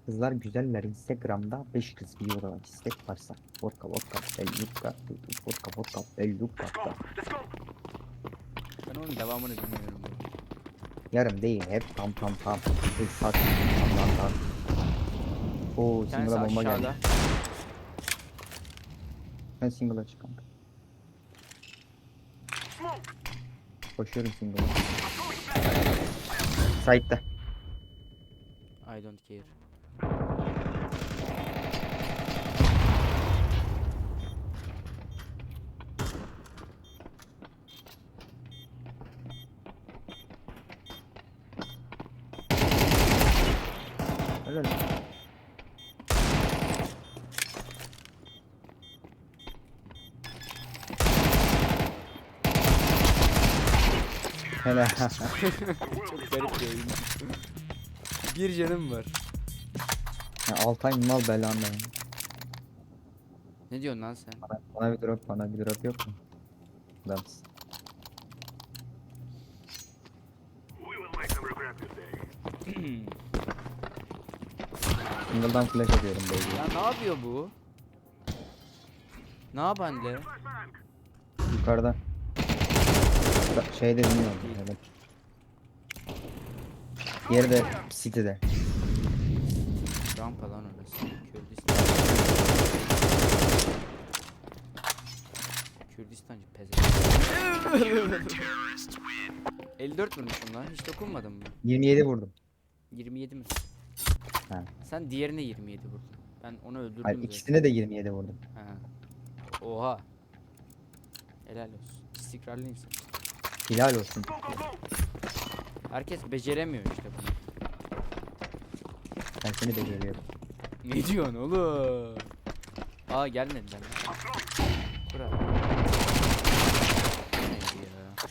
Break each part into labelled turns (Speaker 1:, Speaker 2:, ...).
Speaker 1: Kızlar güzeller Instagram'da 5 kız bir yola istek varsa. Vodka vodka belluka vodka vodka belluka da.
Speaker 2: Ben onun devamını bilmiyorum.
Speaker 1: Yarım değil hep tam tam tam. Saat tam tam tam. Oo
Speaker 2: Bir tanesi
Speaker 1: single'a bomba geldi.
Speaker 2: aşağıda.
Speaker 1: Ben single'a çık kanka. Koşuyorum single'a. Side'da.
Speaker 2: I don't care.
Speaker 1: Öyle. Hele.
Speaker 2: Çok garip bir oyun. Bir canım var.
Speaker 1: Ya, Altay mal belanla.
Speaker 2: Ne diyorsun lan sen?
Speaker 1: Bana bir drop bana bir drop yok mu? Adamsın. Single'dan flash atıyorum baby.
Speaker 2: Ya ne yapıyor bu? Ne yapan?
Speaker 1: Yukarıda. Şeyde bilmiyorum. Evet. Yeri de City'de.
Speaker 2: Rampa lan orası. Kürdistan. Kürdistancı pezevenk. 54 vurmuşum lan. Hiç dokunmadım mı?
Speaker 1: 27 vurdum.
Speaker 2: 27 mi?
Speaker 1: Ha.
Speaker 2: Sen diğerine 27 vurdun. Ben onu
Speaker 1: Hayır,
Speaker 2: öldürdüm zaten.
Speaker 1: ikisine de 27 vurdum.
Speaker 2: Ha. Oha. Helal olsun. İstikrarlı insan.
Speaker 1: Hilal olsun.
Speaker 2: Herkes beceremiyor işte bunu.
Speaker 1: Ben seni beceriyorum.
Speaker 2: Ne diyorsun oğlum? Aa gelmediler. Bura. Neydi ya?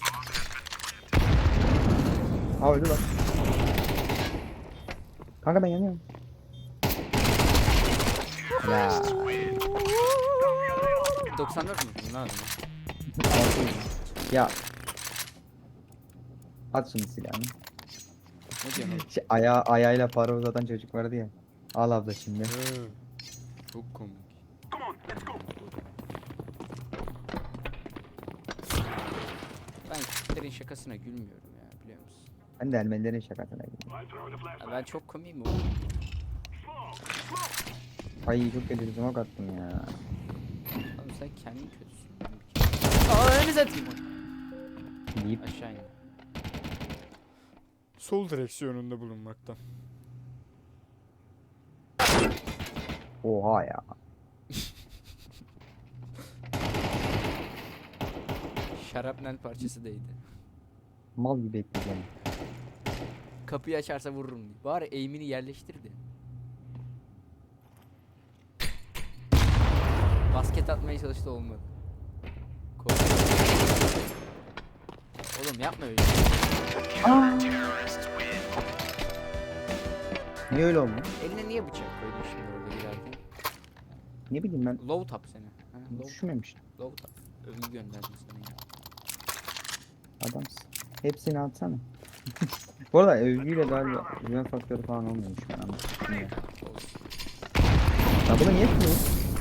Speaker 1: Aa öldü lan. Kanka ben yanıyorum. Ya.
Speaker 2: 94 musun lan adamı?
Speaker 1: Ya. At şimdi silahını.
Speaker 2: Ne diyorsun oğlum?
Speaker 1: Ayağıyla para uzatan çocuk vardı ya. Al abla şimdi.
Speaker 2: Çok komik. Ben Kürtlerin şakasına gülmüyorum ya biliyor musun?
Speaker 1: Ben de Ermenilerin şakasına girdim.
Speaker 2: Ya ben çok komiyim oğlum.
Speaker 1: Ay çok kötü bir smoke attım ya.
Speaker 2: Oğlum sen kendin kötüsün. Aa önünüze atayım onu.
Speaker 1: Deyip
Speaker 2: Aşağı in.
Speaker 3: Sol direksiyonunda bulunmakta.
Speaker 1: oha ya.
Speaker 2: Şarapnel parçası değdi.
Speaker 1: Mal gibi bekleyeceğim.
Speaker 2: Kapıyı açarsa vururum diye. Bari eğimini yerleştirdi. Basket atmaya çalıştı olmadı. Korktum. Oğlum yapma öyle.
Speaker 1: Niye öyle oldu?
Speaker 2: Eline niye bıçak koydun şimdi orada girerken?
Speaker 1: Ne bileyim ben
Speaker 2: Low tap seni. Ha,
Speaker 1: düşünmemiştim.
Speaker 2: low tap. Övgü gönderdim sana ya.
Speaker 1: Adamsın. Hepsini atsana. Bu arada övgüyle galiba güven faktörü falan olmuyormuş ben ama. Bilmiyorum.
Speaker 2: Olsun.
Speaker 1: Ya bunu niye yapıyor?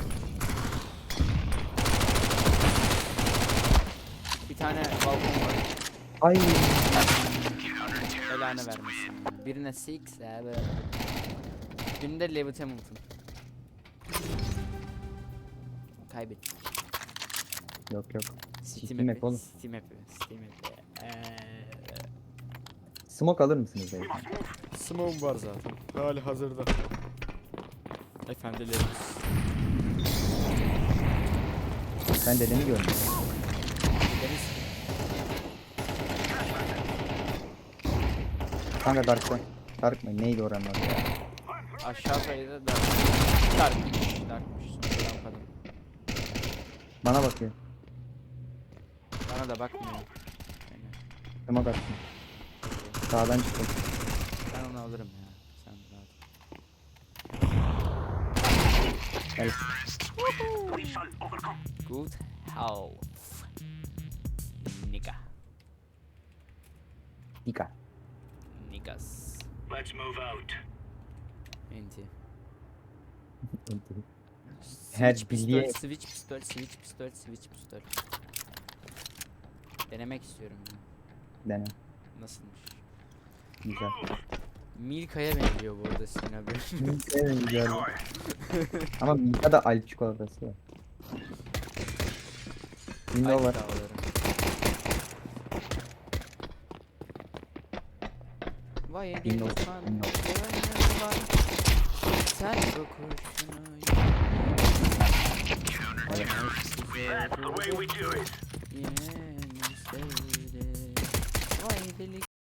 Speaker 2: Bir tane balkon var.
Speaker 1: Ay.
Speaker 2: Belanı vermesin. Ya. Birine Six abi. Birinde Levitt Hamilton. Kaybettik.
Speaker 1: Yok yok.
Speaker 2: Steam
Speaker 1: map oğlum.
Speaker 2: Steam map'i. Steam map'i.
Speaker 1: Smoke alır mısınız beyefendi?
Speaker 3: Smoke var zaten. Hali hazırda.
Speaker 2: Efendilerimiz.
Speaker 1: Ben dedemi gördüm.
Speaker 2: Deniz.
Speaker 1: Kanka Dark Dark mı? Neydi oranın adı ya?
Speaker 2: Aşağı sayıda darkmış. Darkmış. Sonra rampadan.
Speaker 1: Bana bakıyor.
Speaker 2: Bana da bakmıyor. Yani
Speaker 1: Smoke attım. Sağdan çıktım.
Speaker 2: ben onu alırım ya. Sen rahat.
Speaker 1: Gel.
Speaker 2: Good health. Nigga.
Speaker 1: Dika.
Speaker 2: Niggas.
Speaker 4: Let's move out.
Speaker 2: Enti.
Speaker 1: Her
Speaker 2: Switch
Speaker 1: bilye-
Speaker 2: pistol, switch pistol, switch pistol, switch pistol. Denemek istiyorum ya.
Speaker 1: Dene.
Speaker 2: Nasılmış?
Speaker 1: Güzel.
Speaker 2: Milka'ya benziyor bu arada senin haberin.
Speaker 1: Evet, güzel. Ama Milka da Alp çikolatası var. Window
Speaker 2: Alp
Speaker 1: var.
Speaker 2: dağları. Vay
Speaker 1: Windows,
Speaker 2: delikanlı
Speaker 1: Windows.
Speaker 2: gönlüm var. Sen bu kurşunu
Speaker 1: Evet.
Speaker 2: Yine mi sevdi? Vay delikanlı